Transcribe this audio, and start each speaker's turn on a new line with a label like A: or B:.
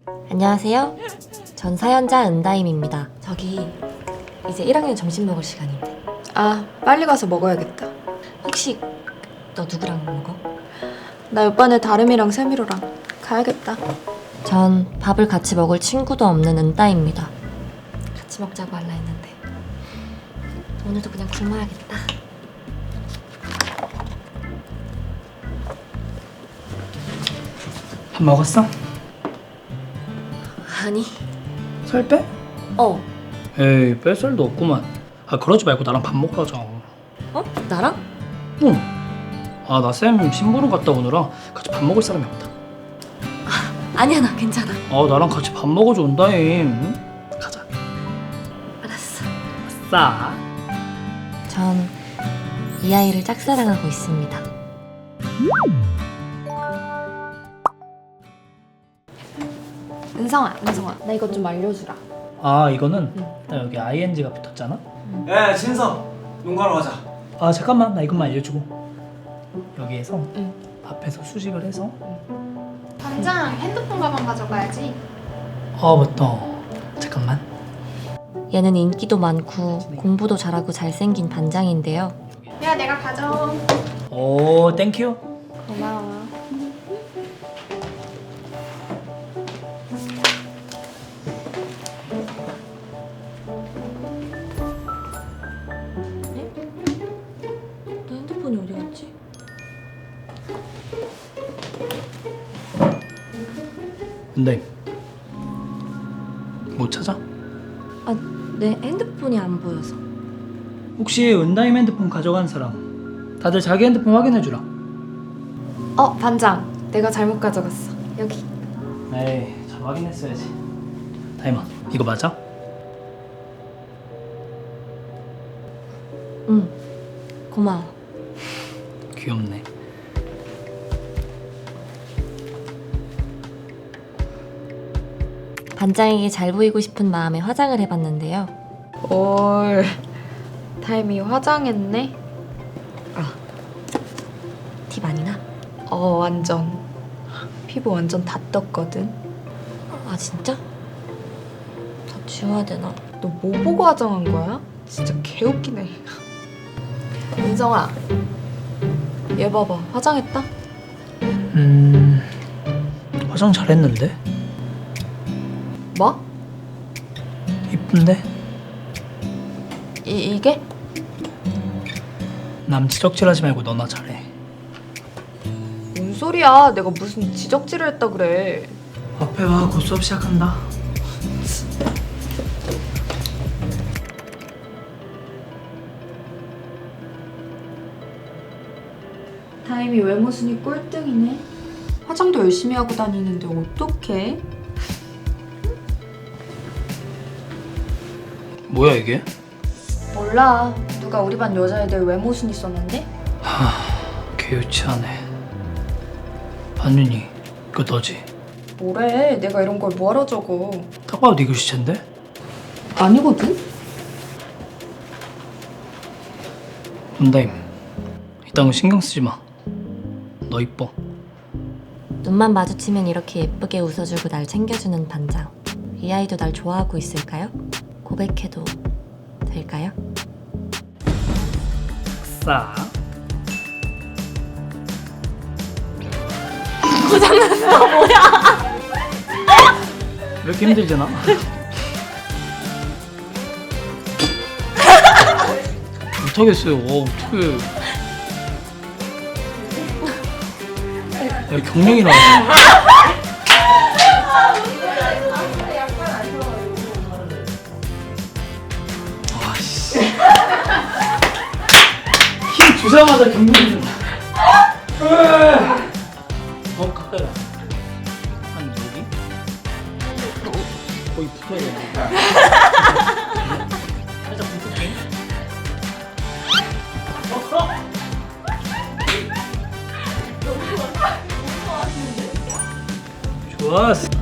A: 안녕하세요. 전 사연자 은다임입니다. 저기 이제 1학년 점심 먹을 시간인데
B: 아, 빨리 가서 먹어야겠다.
A: 혹시 너 누구랑 먹어?
B: 나 옆반에 다름이랑 세미로랑 가야겠다.
A: 전 밥을 같이 먹을 친구도 없는 은다입니다. 같이 먹자고 할라 했는데 오늘도 그냥 굶어야겠다.
C: 밥 먹었어?
A: 아니.
C: 살 빼?
A: 어.
C: 에이 뺄 살도 없구만. 아 그러지 말고 나랑 밥 먹으러 가자.
A: 어? 나랑?
C: 응. 아 나 쌤 심부름 갔다 오느라 같이 밥 먹을 사람이 없다.
A: 아니야, 나 괜찮아.
C: 아 나랑 같이 밥 먹어줘 온다임. 응? 가자.
A: 알았어.
C: 아싸.
A: 전 이 아이를 짝사랑하고 있습니다.
B: 은성아, 나 이것 좀 알려주라.
C: 아 이거는 나 여기 ing가 붙었잖아.
D: 야, 진서 농가로 가자.
C: 아 잠깐만 나 이것만 알려주고 여기에서
B: 응.
C: 앞에서 수식을 해서
E: 반장 핸드폰 가방 가져가야지.
C: 아 맞다. 잠깐만.
A: 얘는 인기도 많고 공부도 잘하고 잘생긴 반장인데요.
E: 야, 내가 가져.
C: 오 땡큐.
B: 고마워.
A: 너 핸드폰이 어디 갔지?
C: 근데 못 찾아?
A: 아, 내 핸드폰이 안 보여서.
C: 혹시 은다임 핸드폰 가져간 사람 다들 자기 핸드폰 확인해주라.
B: 반장. 내가 잘못 가져갔어. 여기.
C: 에이 잘 확인했어야지. 다임아 이거 맞아?
A: 응. 고마워.
C: 귀엽네.
A: 반장에게 잘 보이고 싶은 마음에 화장을 해봤는데요.
B: 올. 타임이 화장했네?
A: 티 많이 나?
B: 완전. 피부 완전 다 떴거든.
A: 아, 진짜? 다 지워야 되나?
B: 너 뭐 보고 화장한 거야? 진짜 개웃기네. 은성아. 얘 봐봐. 화장했다?
C: 화장 잘했는데?
B: 뭐?
C: 이쁜데?
B: 이게?
C: 남 지적질하지 말고 너나 잘해.
B: 뭔 소리야. 내가 무슨 지적질을 했다 그래.
C: 앞에 와 곧 수업 시작한다.
B: 타임이 외모 순위 꼴등이네. 화장도 열심히 하고 다니는데 어떡해?
C: 뭐야 이게?
B: 몰라. 누가 우리 반 여자애들 외모 순위 썼는데?
C: 개유치하네. 반윤이 이거 너지?
B: 뭐래. 내가 이런 걸 뭐하러 적어.
C: 딱 봐도 네 글씨체인데?
B: 아니거든?
C: 은다임 이딴 거 신경 쓰지 마. 너 이뻐.
A: 눈만 마주치면 이렇게 예쁘게 웃어주고 날 챙겨주는 반장. 이 아이도 날 좋아하고 있을까요? 고백해도 될까요?
C: 싸.
A: 고장났어. 뭐야?
C: 왜 이렇게 힘들잖아? 못하겠어요. 어떡해. 야 경련이 나. 아씨. 힘 주자마자 경련이 나. 가까이 와. 한 여기? 거의 붙어야 돼. 살짝 붙을게. 좋았어.